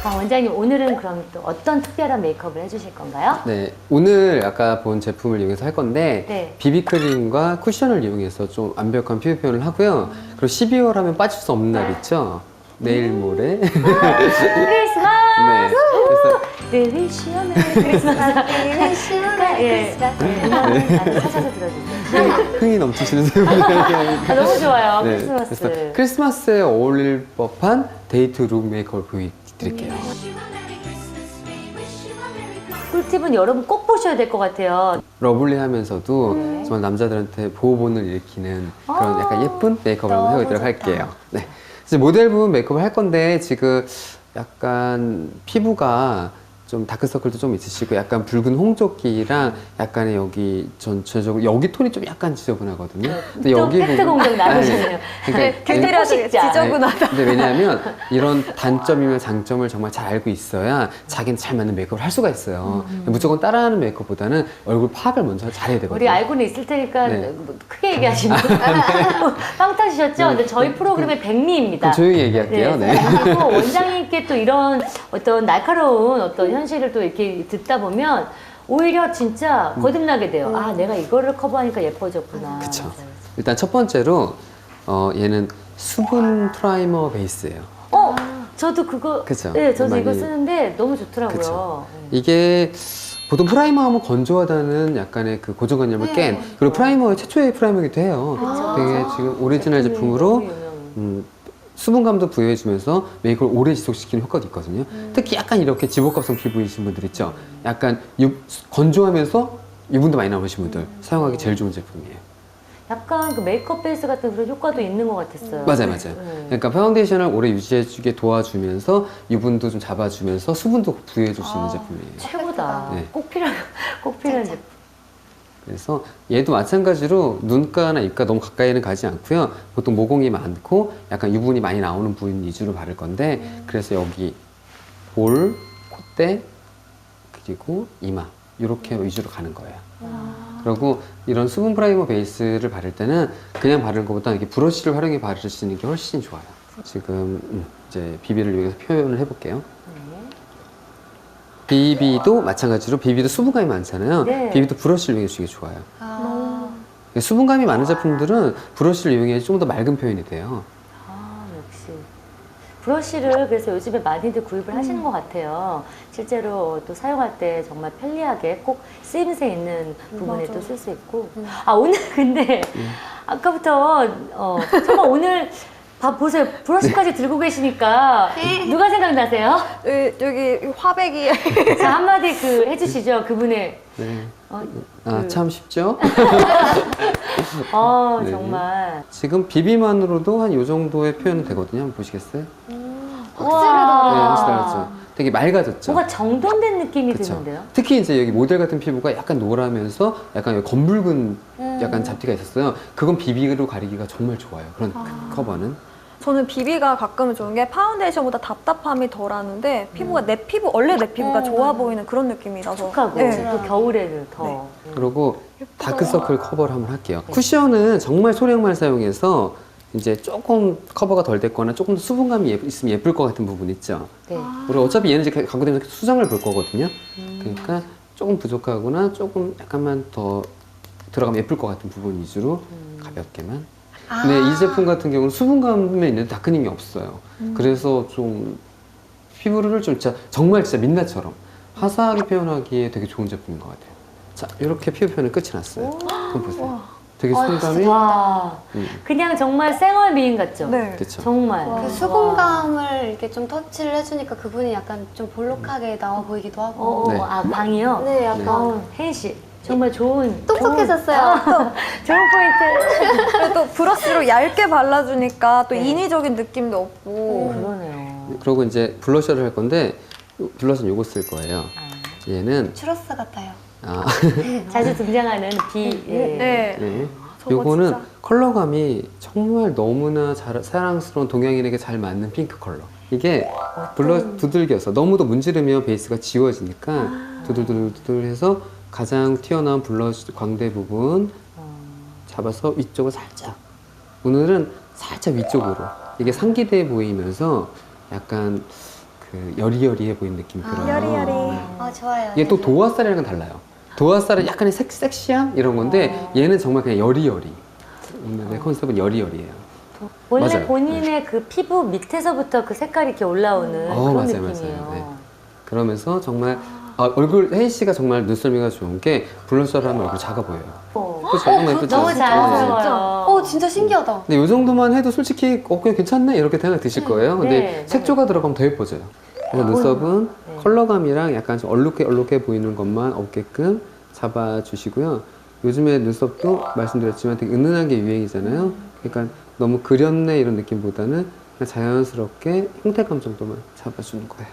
원장님 오늘은 그럼 또 어떤 특별한 메이크업을 해주실 건가요? 네, 오늘 아까 본 제품을 이용해서 할 건데 네. 비비크림과 쿠션을 이용해서 좀 완벽한 피부 표현을 하고요. 그리고 12월 하면 빠질 수 없는 날 있죠? 내일 모레. 크리스마스! 네. 그래서 늘 시원해 크리스마스. 예. 음악을 찾아서 들어주세요. 흥이 넘치시는 분들에게 아, 너무 좋아요. 네, 크리스마스. 그래서 크리스마스에 어울릴 법한 데이트 룩 메이크업을 보여드릴게요. 꿀팁은 여러분 꼭 보셔야 될 것 같아요. 러블리하면서도 정말 남자들한테 보호본을 일으키는 그런 약간 예쁜 메이크업을 한번 해보도록 할게요. 네. 이제 모델 부분 메이크업을 할 건데 지금 약간 피부가 좀 다크서클도 좀 있으시고 약간 붉은 홍조끼랑 약간의 여기 전체적으로 여기 톤이 좀 약간 지저분하거든요. 근데 또 팩트 공격 나누셨네요. 그러니까 지저분하다. 근데 왜냐하면 이런 단점이면 장점을 정말 잘 알고 있어야 자기는 잘 맞는 메이크업을 할 수가 있어요. 무조건 따라하는 메이크업보다는 얼굴 파악을 먼저 잘해야 되거든요. 우리 알고는 있을 테니까 네. 뭐 크게 얘기하시면 빵 터지셨죠? 근데 저희 프로그램의 백미입니다. 그럼 조용히 얘기할게요. 네. 그리고 원장님께 또 이런 어떤 날카로운 어떤 현실을 또 이렇게 듣다 보면 오히려 진짜 거듭나게 돼요. 아, 내가 이거를 커버하니까 예뻐졌구나. 그쵸. 일단 첫 번째로 얘는 수분 프라이머 베이스예요. 저도 그거, 그쵸. 네, 저도 이거 많이- 쓰는데 너무 좋더라고요. 그쵸. 이게 보통 프라이머 하면 건조하다는 약간의 그 고정관념을 깬 그리고 프라이머의 최초의 프라이머이기도 해요. 되게 지금 오리지널 제품으로 너무 유명한. 수분감도 부여해주면서 메이크업을 오래 지속시키는 효과도 있거든요. 특히 약간 이렇게 지복합성 피부이신 분들 있죠. 약간 건조하면서 유분도 많이 나오신 분들 사용하기 제일 좋은 제품이에요. 약간 그 메이크업 베이스 같은 그런 효과도 있는 것 같았어요. 맞아요. 네. 그러니까 파운데이션을 오래 유지해주게 도와주면서 유분도 좀 잡아주면서 수분도 부여해줄 수 있는 제품이에요. 최고다. 네. 꼭 필요한 제품. 그래서 얘도 마찬가지로 눈가나 입가 너무 가까이는 가지 않고요. 보통 모공이 많고 약간 유분이 많이 나오는 부분 위주로 바를 건데 그래서 여기 볼, 콧대, 그리고 이마 이렇게 위주로 가는 거예요. 그리고 이런 수분 프라이머 베이스를 바를 때는 그냥 바르는 것보다 이렇게 브러쉬를 활용해 바르시는 게 훨씬 좋아요. 지금 이제 비비를 여기서 표현을 해볼게요. 비비도 마찬가지로 비비도 수분감이 많잖아요. 네. 비비도 브러쉬를 이용해 주는 게 좋아요. 수분감이 많은 제품들은 브러쉬를 이용해 좀 더 맑은 표현이 돼요. 역시. 브러쉬를 그래서 요즘에 많이들 구입을 하시는 것 같아요. 실제로 또 사용할 때 정말 편리하게 꼭 쓰임새 있는 부분에 또 쓸 수 있고. 오늘 근데 아까부터 정말 오늘 보세요. 브러쉬까지 들고 계시니까 누가 생각나세요? 여기 화백이 자, 한마디 해주시죠. 그분의. 네. 그- 참 쉽죠? 네. 정말. 지금 비비만으로도 한 이 정도의 표현은 되거든요. 한번 보시겠어요? 네, 우와. 확실히 다르죠. 되게 맑아졌죠. 뭔가 정돈된 느낌이 그쵸. 드는데요? 특히 이제 여기 모델 같은 피부가 약간 노라면서 약간 여기 검붉은 약간 잡티가 있었어요. 그건 비비로 가리기가 정말 좋아요. 그런 커버는. 저는 비비가 가끔 좋은 게 파운데이션보다 답답함이 덜하는데 피부가 원래 내 피부가 좋아 보이는 그런 느낌이라서 촉촉하고 네. 또 겨울에는 더. 그리고 다크서클 커버를 한번 할게요. 쿠션은 정말 소량만 사용해서 이제 조금 커버가 덜 됐거나 조금 더 수분감이 있으면 예쁠 것 같은 부분 있죠. 네. 우리 어차피 얘는 이제 광고되면서 수정을 볼 거거든요. 그러니까 조금 부족하거나 조금 약간만 더 들어가면 예쁠 것 같은 부분 위주로 가볍게만. 근데 이 제품 같은 경우는 수분감에 있는 다크닝이 없어요. 그래서 좀 피부를 좀 정말 진짜 민낯처럼 화사하게 표현하기에 되게 좋은 제품인 것 같아요. 자, 이렇게 피부 표현은 끝이 났어요. 한번 보세요. 되게 수분감이 와, 그냥 정말 생얼 미인 같죠? 네. 그렇죠. 정말. 그 수분감을 이렇게 좀 터치를 해주니까 그분이 약간 좀 볼록하게 나와 보이기도 하고. 네. 방이요? 네, 약간 혜인 씨, 정말 좋은. 똑똑해졌어요. 좋은 포인트. 그리고 또 브러쉬로 얇게 발라주니까 또 네. 인위적인 느낌도 없고 그러네요. 그리고 이제 블러셔를 할 건데 블러셔는 요거 쓸 거예요. 얘는 추러스 같아요. 자주 등장하는 비. 예. 네. 네. 저거 요거는 진짜. 컬러감이 정말 너무나 사랑스러운 동양인에게 잘 맞는 핑크 컬러. 이게 두들겨서 너무도 문지르면 베이스가 지워지니까 두들두들 해서 가장 튀어나온 블러쉬 광대 부분 잡아서 위쪽을 살짝. 오늘은 살짝 위쪽으로. 이게 상기돼 보이면서 약간 그 여리여리해 보이는 느낌이 들어요. 여리여리. 아, 좋아요. 이게 또 네네. 도화살이랑은 달라요. 도화살은 약간의 섹시함 이런 건데 얘는 정말 그냥 여리여리. 오늘의 컨셉은 여리여리예요. 원래 맞아요. 본인의 그 피부 밑에서부터 그 색깔이 이렇게 올라오는 그런 맞아요, 느낌이에요. 맞아요. 네. 그러면서 정말 얼굴 혜인 씨가 정말 눈썰미가 좋은 게 블러셔를 하면 얼굴 작아 보여요. 그렇죠? 너무 예쁘죠? 너무 네. 자연스러워요. 진짜 신기하다. 근데 이 정도만 해도 솔직히 그냥 괜찮네 이렇게 생각 드실 거예요. 근데 네, 색조가 들어가면 더 예뻐져요. 그래서 눈썹은 네. 컬러감이랑 약간 좀 얼룩해 보이는 것만 없게끔 잡아주시고요. 요즘에 눈썹도 말씀드렸지만 되게 은은한 게 유행이잖아요. 그러니까 너무 그렸네 이런 느낌보다는 그냥 자연스럽게 형태감 정도만 잡아주는 거예요.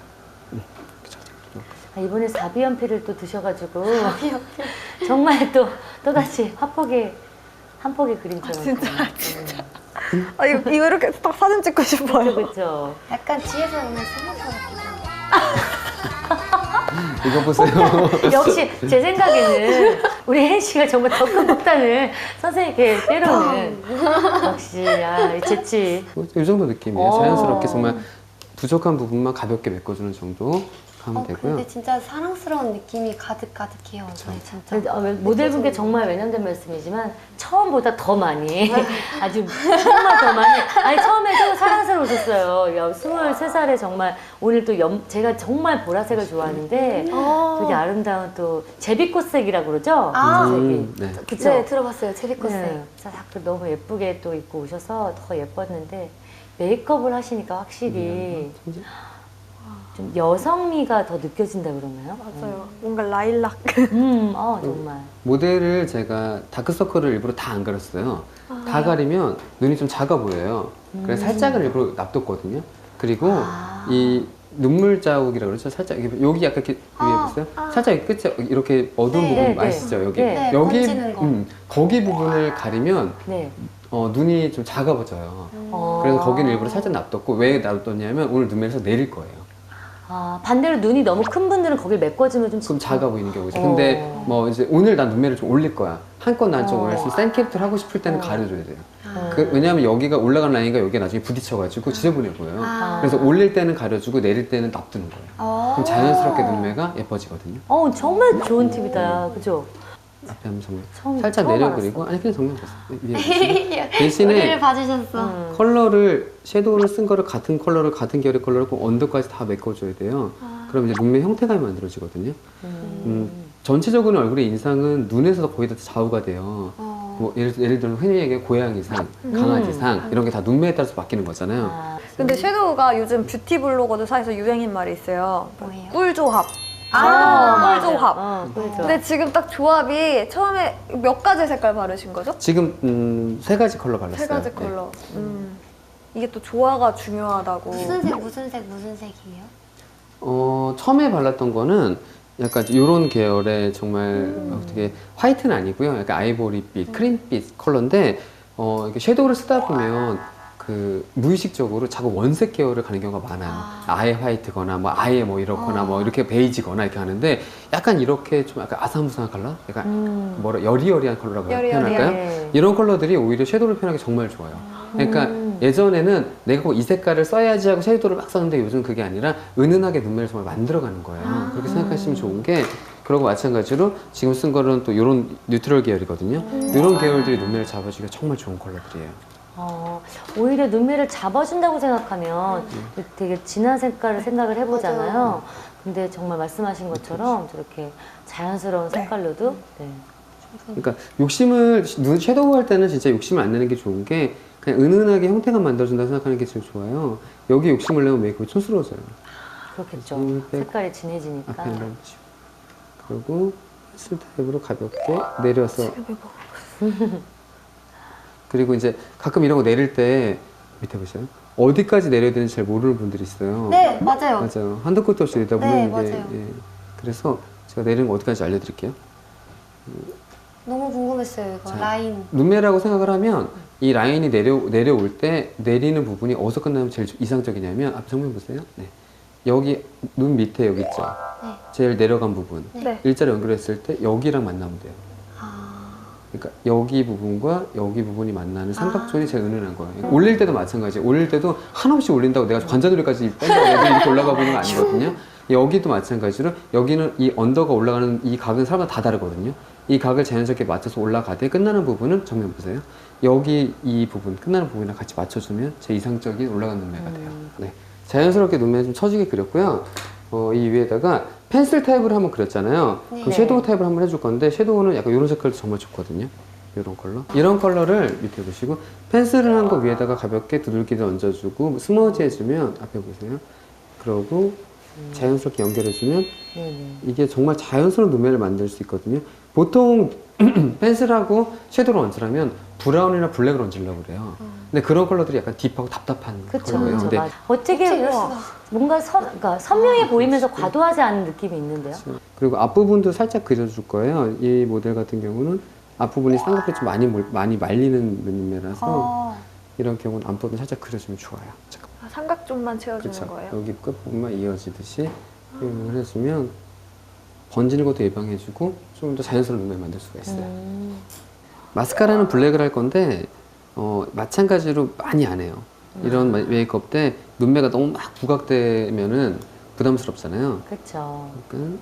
아, 이번에 사비연필을 또 드셔가지고 정말 또다시 한 폭의 그림처럼. 진짜. 아, 이거 이렇게 딱 사진 찍고 싶어요. 그렇죠. 약간 뒤에서 오는 스모커 같기도 이거 보세요. 역시 제 생각에는 우리 혜인 씨가 정말 더 큰 폭탄을 선생님께 때려는 역시 이 재치. 이 정도 느낌이에요. 오. 자연스럽게 정말 부족한 부분만 가볍게 메꿔주는 정도 하면 되고요. 근데 진짜 사랑스러운 느낌이 가득가득해요. 저희 진짜. 근데 모델분께 정말 외면된 말씀이지만 처음보다 더 많이 아주 정말 더 많이 아니 처음에도 사랑스러우셨어요. 23살에 정말 오늘 또 제가 정말 보라색을 좋아하는데 되게 아름다운 또 제비꽃색이라고 그러죠? 색이. 네. 그쵸? 네, 들어봤어요. 제비꽃색. 네. 너무 예쁘게 또 입고 오셔서 더 예뻤는데 메이크업을 하시니까 확실히 좀 여성미가 더 느껴진다 그러나요? 맞아요. 뭔가 라일락. 정말. 모델을 제가 다크서클을 일부러 다 안 가렸어요. 다 가리면 눈이 좀 작아 보여요. 그래서 살짝은 일부러 놔뒀거든요. 그리고 이 눈물 자국이라고 그러죠. 살짝 여기 약간 이렇게 위에 보세요. 살짝 이 끝에 이렇게 어두운 네. 부분 네, 맛있죠. 여기 네. 여기 번지는 거. 거기 부분을 가리면 네. 눈이 좀 작아 보여요. 그래서 거기는 일부러 살짝 놔뒀고 왜 놔뒀냐면 오늘 눈매에서 내릴 거예요. 반대로 눈이 너무 큰 분들은 거길 메꿔주면 좀 그럼 작아 보이는 경우죠. 근데 뭐 이제 오늘 난 눈매를 좀 올릴 거야. 한껏 난 좀 올릴 수 센 캐릭터를 하고 싶을 때는 가려줘야 돼요. 왜냐하면 여기가 올라간 라인과 여기가 나중에 부딪혀가지고 지저분해 보여요. 그래서 올릴 때는 가려주고 내릴 때는 놔두는 거예요. 그럼 자연스럽게 눈매가 예뻐지거든요. 정말 좋은 팁이다. 그죠? 앞에 한번 정면 처음 살짝 내려 알았어. 그리고 아니 그냥 정면 보세요. 위에 보시면. 대신에 우리를 봐주셨어. 컬러를 섀도우를 쓴 거를 같은 컬러를 같은 결의 컬러를 꼭 언더까지 다 메꿔줘야 돼요. 그럼 이제 눈매 형태감이 만들어지거든요. 전체적으로 얼굴의 인상은 눈에서 거의 다 좌우가 돼요. 뭐 예를 들면 흔히 얘기하는 고양이상, 강아지상 이런 게 다 눈매에 따라서 바뀌는 거잖아요. 근데 섀도우가 요즘 뷰티 블로거들 사이에서 유행인 말이 있어요. 뭐예요? 꿀조합. 맞아. 꿀조합. 꿀조합. 근데 지금 딱 조합이 처음에 몇 가지 색깔 바르신 거죠? 지금 3가지 컬러 발랐어요. 세 가지 네. 컬러. 이게 또 조화가 중요하다고. 무슨 색이에요? 처음에 발랐던 거는 약간 이런 계열의 정말 어떻게 화이트는 아니고요. 약간 아이보리빛, 크림빛 컬러인데 이렇게 섀도우를 쓰다 보면 그 무의식적으로 자꾸 원색 계열을 가는 경우가 많아요. 아예 화이트거나 뭐 아예 뭐 이렇거나 뭐 이렇게 베이지거나 이렇게 하는데 약간 이렇게 좀 약간 아사무사한 컬러? 약간 여리여리한 컬러라고 여리여리한. 표현할까요? 네. 이런 컬러들이 오히려 섀도우를 표현하기 정말 좋아요. 그러니까 예전에는 내가 꼭 이 색깔을 써야지 하고 섀도우를 막 썼는데 요즘 그게 아니라 은은하게 눈매를 정말 만들어가는 거예요. 그렇게 생각하시면 좋은 게 그러고 마찬가지로 지금 쓴 거는 또 이런 뉴트럴 계열이거든요. 이런 계열들이 눈매를 잡아주기가 정말 좋은 컬러들이에요. 오히려 눈매를 잡아준다고 생각하면 되게 진한 색깔을 생각을 해보잖아요. 맞아요. 근데 정말 말씀하신 것처럼 저렇게 자연스러운 색깔로도 네. 그러니까 욕심을 섀도우 할 때는 진짜 욕심을 안 내는 게 좋은 게 그냥 은은하게 형태감 만들어준다고 생각하는 게 제일 좋아요. 여기 욕심을 내면 메이크업이 촌스러워져요. 그렇겠죠. 빼고 색깔이 진해지니까. 앞에 올라오시고 그리고 펜슬 타입으로 가볍게 내려서 그리고 이제 가끔 이런 거 내릴 때 밑에 보세요. 어디까지 내려야 되는지 잘 모르는 분들이 있어요. 네, 맞아요. 맞아요. 한도 끝도 없이 내다 보면 네, 이게 맞아요. 그래서 제가 내리는 거 어디까지 알려드릴게요. 너무 궁금했어요, 이거. 자, 라인. 눈매라고 생각을 하면 이 라인이 내려올 때 내리는 부분이 어디서 끝나면 제일 이상적이냐면 앞 정면 보세요. 네. 여기 눈 밑에 여기 있죠. 네. 제일 내려간 부분. 네. 일자로 연결했을 때 여기랑 만나면 돼요. 그러니까 여기 부분과 여기 부분이 만나는 삼각존이 제일 은은한 거예요. 올릴 때도 마찬가지예요. 올릴 때도 한없이 올린다고 내가 관자놀이까지 뺀다고 애들이 이렇게 올라가 보는 건 아니거든요. 여기도 마찬가지로 여기는 이 언더가 올라가는 이 각은 사람마다 다 다르거든요. 이 각을 자연스럽게 맞춰서 올라가되 끝나는 부분은 정면 보세요. 여기 이 부분 끝나는 부분이랑 같이 맞춰주면 제 이상적인 올라가는 눈매가 돼요. 네, 자연스럽게 눈매 좀 처지게 그렸고요. 이 위에다가 펜슬 타입을 한번 그렸잖아요. 네. 그럼 섀도우 타입을 한번 해줄 건데 섀도우는 약간 이런 색깔도 정말 좋거든요. 이런 컬러. 이런 컬러를 밑에 보시고 펜슬을 한 거 위에다가 가볍게 두들기를 얹어주고 스머지 해주면 앞에 보세요. 그러고 자연스럽게 연결해주면 네네. 이게 정말 자연스러운 눈매를 만들 수 있거든요. 보통 펜슬하고 섀도우를 얹으려면 브라운이나 블랙을 얹으려고 그래요. 근데 그런 컬러들이 약간 딥하고 답답한 그쵸, 컬러예요. 그쵸. 근데 맞아. 어떻게 이럴 수가. 뭔가 그러니까 선명해 보이면서 과도하지 않은 느낌이 있는데요. 그리고 앞부분도 살짝 그려줄 거예요. 이 모델 같은 경우는 앞부분이 쌍꺼풀이 좀 많이 말리는 눈매라서 이런 경우는 앞부분 살짝 그려주면 좋아요. 잠깐. 삼각존만 채워주는 그쵸. 거예요. 여기 끝부분만 이어지듯이 표현을 해주면 번지는 것도 예방해주고 좀 더 자연스러운 눈매 만들 수가 있어요. 마스카라는 블랙을 할 건데 마찬가지로 많이 안 해요. 이런 메이크업 때 눈매가 너무 막 부각되면은 부담스럽잖아요. 그렇죠. 그러니까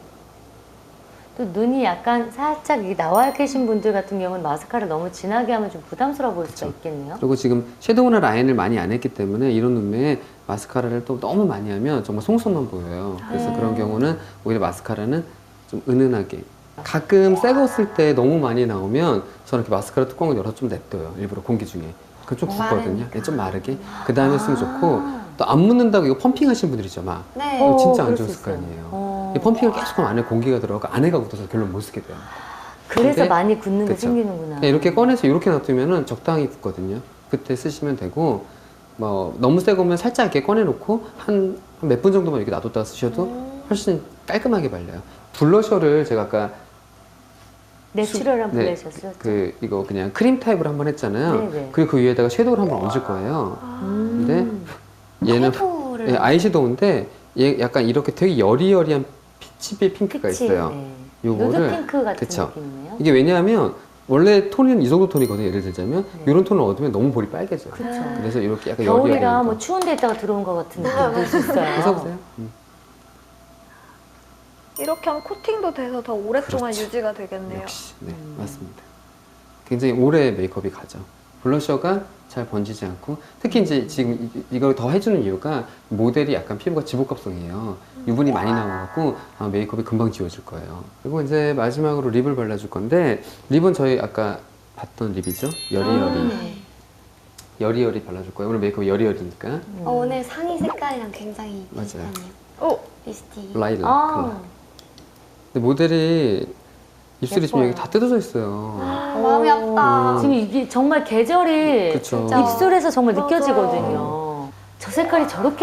또 눈이 약간 살짝 이게 나와 계신 분들 같은 경우는 마스카라 너무 진하게 하면 좀 부담스러워 보일 수가 있겠네요. 그리고 지금 섀도우나 라인을 많이 안 했기 때문에 이런 눈매에 마스카라를 또 너무 많이 하면 정말 송송만 보여요. 그래서 그런 경우는 오히려 마스카라는 좀 은은하게. 가끔 새 거 쓸 때 너무 많이 나오면 저는 이렇게 마스카라 뚜껑을 열어서 좀 냅둬요. 일부러 공기 중에. 그럼 좀 붓거든요. 네, 좀 마르게. 그 다음에 쓰면 좋고 또 안 묻는다고 이거 펌핑 하시는 분들 있죠. 막. 네. 이거 진짜 안 그럴 수 좋을 거 있어요. 아니에요. 이 펌핑을 계속 하면 안에 공기가 들어가고 안에가 굳어서 결론 못 쓰게 돼요. 그래서 근데- 많이 굳는 게 그쵸. 생기는구나. 그냥 이렇게 꺼내서 이렇게 놔두면은 적당히 굳거든요. 그때 쓰시면 되고 뭐 너무 새 거면 살짝 이렇게 꺼내놓고 한 몇 분 정도만 이렇게 놔뒀다가 쓰셔도 훨씬 깔끔하게 발려요. 블러셔를 제가 아까 내추럴한 네, 블러셔 이거 그냥 크림 타입으로 한번 했잖아요. 네네. 그리고 그 위에다가 섀도우를 한번 얹을 거예요. 근데 얘는 섀도우를 네, 아이섀도우인데 얘 약간 이렇게 되게 여리여리한 피치빛 핑크가 있어요. 네. 요거를- 누드 핑크 같은 그쵸. 느낌이네요. 이게 왜냐하면 원래 톤은 이 정도 톤이거든요. 예를 들자면 이런 톤을 얻으면 너무 볼이 빨개져요. 그쵸. 그래서 이렇게 약간 겨울이라 여리여리한 뭐 거. 추운 데 있다가 들어온 것 같은 느낌 들 수 있어요. 써보세요. 이렇게 하면 코팅도 돼서 더 오랫동안 그렇죠. 유지가 되겠네요. 역시 네 맞습니다. 굉장히 오래 메이크업이 가죠. 블러셔가 잘 번지지 않고 특히 이제 지금 이걸 더 해주는 이유가 모델이 약간 피부가 지복합성이에요. 유분이 많이 나와갖고 아마 메이크업이 금방 지워질 거예요. 그리고 이제 마지막으로 립을 발라줄 건데 립은 저희 아까 봤던 립이죠. 여리여리 네. 여리여리 발라줄 거예요. 오늘 메이크업 여리여리니까 오늘 상의 색깔이랑 굉장히 맞아요. 비슷하네요. 오! 비스티. 라일락 아, 컬러. 근데 모델이 입술이 지금 예뻐요. 여기 다 뜯어져 있어요. 마음이 아프다. 지금 이게 정말 계절이 그쵸. 진짜. 입술에서 정말 맞아요. 느껴지거든요. 저 색깔이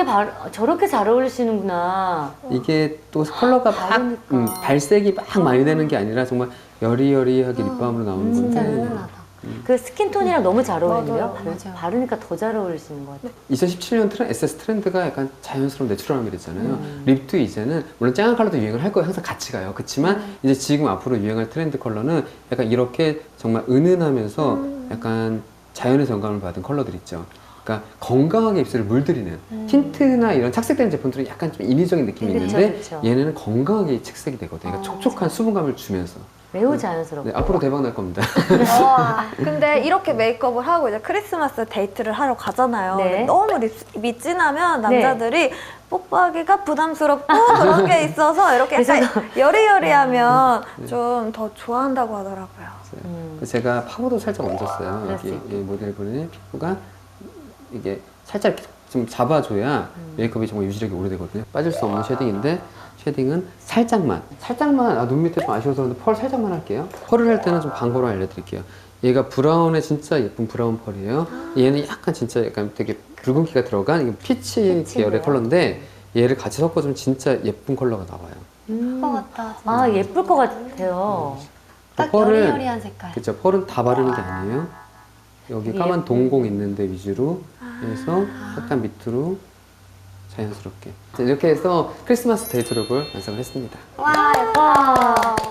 저렇게 잘 어울리시는구나. 이게 또 컬러가 막 다르니까. 발색이 막 많이 되는 게 아니라 정말 여리여리하게 립밤으로 나오는 진짜 건데 은은하다. 그 스킨톤이랑 너무 잘 어울리는데요? 맞아요. 맞아요. 바르니까 더 잘 어울리시는 것 같아요. 2017년 SS 트렌드가 약간 자연스러운 내추럴함이 됐잖아요. 립도 이제는 물론 쨍한 컬러도 유행을 할 거예요. 항상 같이 가요. 그렇지만 이제 지금 앞으로 유행할 트렌드 컬러는 약간 이렇게 정말 은은하면서 약간 자연의 영감을 받은 컬러들 있죠. 그러니까 건강하게 입술을 물들이는 틴트나 이런 착색된 제품들은 약간 좀 인위적인 느낌이 그쵸, 있는데 그쵸. 얘네는 건강하게 착색이 되거든요. 그러니까 촉촉한 수분감을 주면서 매우 자연스럽고. 네, 앞으로 대박 날 겁니다. 와. 근데 이렇게 메이크업을 하고 이제 크리스마스 데이트를 하러 가잖아요. 네. 근데 너무 립이 진하면 남자들이 뽀뽀하기가 부담스럽고 그런 게 있어서 이렇게 약간 여리여리하면 좀 더 좋아한다고 하더라고요. 그래서 제가 파우더 살짝 얹었어요. 그럴 수 여기 있겠다. 이 모델분의 피부가 이게 살짝 이렇게 좀 잡아줘야 메이크업이 정말 유지력이 오래되거든요. 빠질 수 없는 쉐딩인데 쉐딩은 살짝만 눈 밑에 좀 아쉬워서 그런데 펄 살짝만 할게요. 펄을 할 때는 좀 광고로 알려드릴게요. 얘가 브라운에 진짜 예쁜 브라운 펄이에요. 얘는 약간 진짜 약간 되게 붉은기가 들어간 이게 피치 피치네요. 계열의 컬러인데 얘를 같이 섞어주면 진짜 예쁜 컬러가 나와요. 것 같다. 진짜. 아, 예쁠 것 같아요. 딱 펄을- 여리여리한 색깔. 그쵸, 펄은 다 바르는 게 아니에요. 여기 이게 까만 예쁜- 동공 있는데 위주로 해서 약간 밑으로 자연스럽게. 자, 이렇게 해서 크리스마스 데이트 룩을 완성을 했습니다. 와, 예뻐.